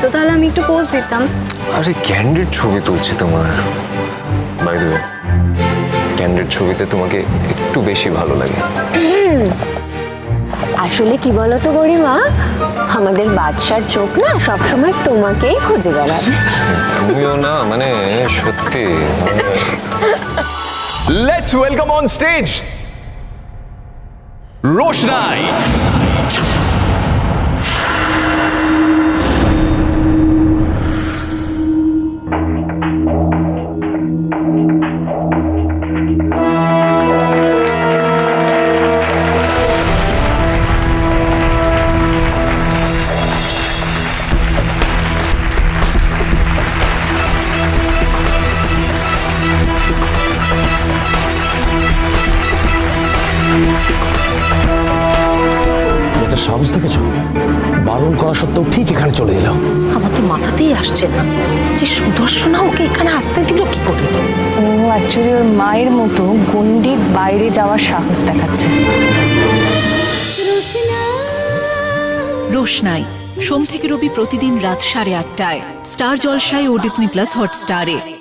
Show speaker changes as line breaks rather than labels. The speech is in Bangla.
দিত তাহলে আমি একটু পোজ দিতাম।
আরে ক্যান্ডিড ছবি তুলছি তোমার। বাই দ্য ওয়ে, ক্যান্ডিড ছবিতে তোমাকে একটু বেশি ভালো লাগে।
আসলে কি বলতো গরিমা, আমাদের বাদশার চোখ না সবসময় তোমাকেই খুঁজে বেড়াবে।
তুমিও না, মানে সত্যি।
Let's welcome on stage Roshnai.
এটা সাহস দেখেছো? বারণ করা সত্ত্বেও ঠিক এখানে চলে এলো।
আমার তো মাথাতেই আসছে না যে সুদর্শনা ওকে এখানে আসতে দিল কি করে।
ও অ্যাকচুয়ালি ওর মায়ের মতো গন্ডির বাইরে যাওয়ার সাহস দেখাচ্ছে।
রোশনাই সোম থেকে রবি প্রতিদিন রাত 8:30টায় স্টার জলসায় ও ডিজনি প্লাস হটস্টারে।